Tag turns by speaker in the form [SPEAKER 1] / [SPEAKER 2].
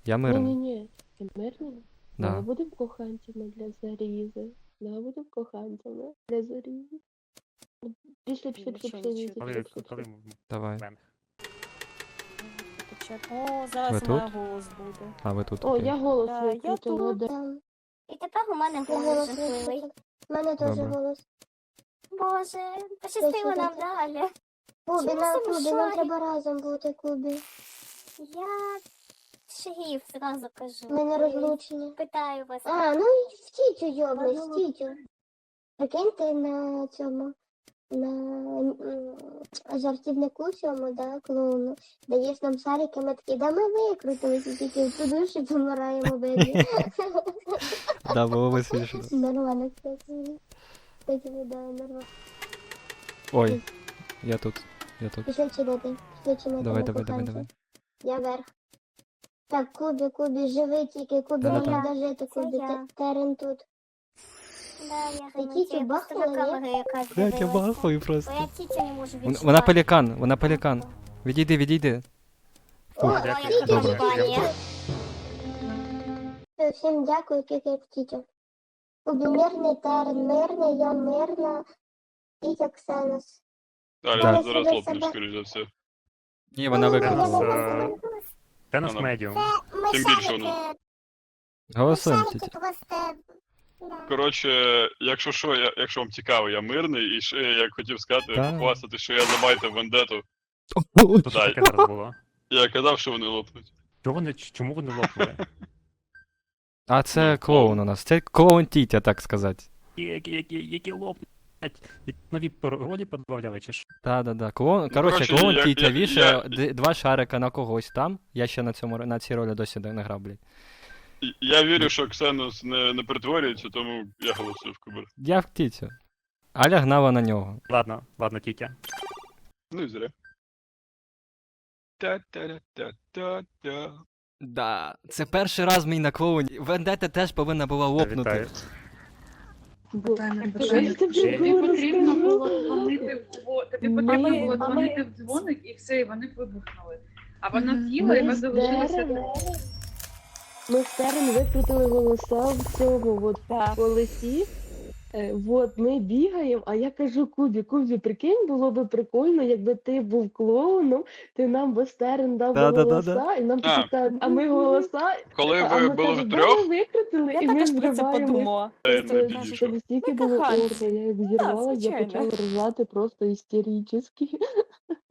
[SPEAKER 1] Я мирний.
[SPEAKER 2] Ні-ні-ні, ти мирний?
[SPEAKER 1] Да.
[SPEAKER 2] Давай будемо коханцями для Зарізи. Давай будемо коханцями для Зарізи. Пішли, пішли, пішли,
[SPEAKER 3] Нічого
[SPEAKER 2] пішли,
[SPEAKER 3] не
[SPEAKER 2] пішли,
[SPEAKER 3] чую.
[SPEAKER 2] пішли, пішли,
[SPEAKER 4] Коли
[SPEAKER 2] пішли.
[SPEAKER 1] Давай.
[SPEAKER 3] О,
[SPEAKER 1] Ви
[SPEAKER 3] зараз у
[SPEAKER 1] тут?
[SPEAKER 3] мене голос буде.
[SPEAKER 1] А ви тут?
[SPEAKER 2] О,
[SPEAKER 1] окей.
[SPEAKER 2] я голос
[SPEAKER 3] Да, я
[SPEAKER 2] викрутила,
[SPEAKER 3] тут.
[SPEAKER 2] да.
[SPEAKER 5] І тепер у мене голос
[SPEAKER 6] голос
[SPEAKER 5] жахливий.
[SPEAKER 6] У мене теж
[SPEAKER 1] Добре.
[SPEAKER 6] голос.
[SPEAKER 5] Боже, пощастило нам далі.
[SPEAKER 6] Кубі,
[SPEAKER 5] Чому
[SPEAKER 6] нам
[SPEAKER 5] замішали?
[SPEAKER 6] треба разом бути, Кубі.
[SPEAKER 5] Я шериф зразу кажу.
[SPEAKER 6] Ми не розлучені.
[SPEAKER 5] Питаю вас.
[SPEAKER 6] А, ну і в тітю, йобни, в тітю. Прикинь, ти на цьому, на жартівнику цьому, да, клоуну, даєш нам шарики, ми такі, да ми викрутилися, тільки в ту душу помираємо, беді.
[SPEAKER 1] Да, було би смішно.
[SPEAKER 6] Нормально, кстати. Кстати, да, нормально.
[SPEAKER 1] Ой, я тут. Я тут.
[SPEAKER 6] Пішли чинити, пішли чинити.
[SPEAKER 1] Давай,
[SPEAKER 6] на
[SPEAKER 1] давай, давай,
[SPEAKER 6] коханців.
[SPEAKER 1] давай.
[SPEAKER 6] Я вверх. Так, Кубі, живи тільки, Кубі,
[SPEAKER 1] Да-да-да.
[SPEAKER 6] не треба жити, Кубі,
[SPEAKER 5] я.
[SPEAKER 6] Терен тут.
[SPEAKER 5] Да, я
[SPEAKER 6] Ти
[SPEAKER 5] гаманцю,
[SPEAKER 6] тітю
[SPEAKER 5] я просто
[SPEAKER 6] бахнула,
[SPEAKER 5] на
[SPEAKER 6] ні?
[SPEAKER 5] камеру якраз
[SPEAKER 1] Блять, я
[SPEAKER 5] дивилася.
[SPEAKER 1] бахаю
[SPEAKER 5] Бо
[SPEAKER 1] просто.
[SPEAKER 5] я тітю не можу відчувати.
[SPEAKER 1] Вона пелікан, вона пелікан. Відійди, відійди.
[SPEAKER 6] О,
[SPEAKER 5] О,
[SPEAKER 4] Дякую.
[SPEAKER 5] яка
[SPEAKER 1] Добре.
[SPEAKER 5] компанія.
[SPEAKER 6] Всім дякую, тільки як тітю. Кубі мирний, Терен мирний, я мирна. Тітя Ксенос.
[SPEAKER 7] Далі
[SPEAKER 1] Так.
[SPEAKER 7] зараз лопнеш, скоріш за все.
[SPEAKER 1] Ні, вона викрутила.
[SPEAKER 4] Зараз, Це наш
[SPEAKER 7] Ага.
[SPEAKER 4] медіум.
[SPEAKER 5] Ми
[SPEAKER 7] Тим більше
[SPEAKER 5] шарики,
[SPEAKER 7] воно.
[SPEAKER 1] Голосуємо,
[SPEAKER 5] шарики
[SPEAKER 1] тітя.
[SPEAKER 5] просто.
[SPEAKER 7] Коротше, якщо що, якщо вам цікаво, я мирний, і ще я як хотів сказати,
[SPEAKER 1] Так.
[SPEAKER 7] похвастати, що я забайтив вендету.
[SPEAKER 4] Тут що таке зараз було?
[SPEAKER 7] Я казав, що вони лопнуть.
[SPEAKER 4] Чому вони лопнули?
[SPEAKER 1] А це клоун у нас. Це клоун тітя, так сказати.
[SPEAKER 4] Які лопнуть? Які нові паролі подбавляли, чи що?
[SPEAKER 1] Да. Клоун, коротше,
[SPEAKER 7] коротше,
[SPEAKER 1] клоун
[SPEAKER 7] я-
[SPEAKER 1] тітя
[SPEAKER 7] я-
[SPEAKER 1] вішає два шарика на когось там. Я ще на цій ролі досі не грав, блядь.
[SPEAKER 7] Я вірю, що Ксенос не перетворюється, тому я голосую в Кубер.
[SPEAKER 1] Я в тітю. Аля гнала на нього.
[SPEAKER 4] Ладно, тітя.
[SPEAKER 7] Ну і зря. Та-та-та-та-та.
[SPEAKER 1] Да, це перший раз мій на клоуні. Вендета теж повинна була лопнути.
[SPEAKER 4] Вітаю.
[SPEAKER 2] Тобі
[SPEAKER 8] потрібно було дзвонити тобі потрібно
[SPEAKER 2] Ми-
[SPEAKER 8] було
[SPEAKER 2] а
[SPEAKER 8] дзвонити в дзвоник і все, і вони вибухнули. А вона з'їла і ми залишилися.
[SPEAKER 2] Ми з Терен викрутили голоса в цьому от
[SPEAKER 3] Так.
[SPEAKER 2] колесі. От ми бігаємо, а я кажу Кубі, прикинь, було би прикольно, якби ти був клоуном, ти нам би Стерен дав би
[SPEAKER 1] Да-да-да-да.
[SPEAKER 2] голоса, і нам
[SPEAKER 7] А.
[SPEAKER 2] такі кажуть, а ми голоса,
[SPEAKER 7] Коли
[SPEAKER 2] а
[SPEAKER 7] ви
[SPEAKER 2] ми
[SPEAKER 7] були
[SPEAKER 2] кажемо,
[SPEAKER 7] втрьох,
[SPEAKER 2] «Да, ми викрутили,
[SPEAKER 3] Я
[SPEAKER 2] і ми
[SPEAKER 3] також про це
[SPEAKER 2] зриваємо.
[SPEAKER 3] подумала.
[SPEAKER 7] я не
[SPEAKER 2] Це
[SPEAKER 7] підійшов.
[SPEAKER 2] настільки
[SPEAKER 3] Ми
[SPEAKER 2] було
[SPEAKER 3] коханці.
[SPEAKER 2] орно, я як зірвалась, я
[SPEAKER 3] звичайно.
[SPEAKER 2] почала ржати просто істерично.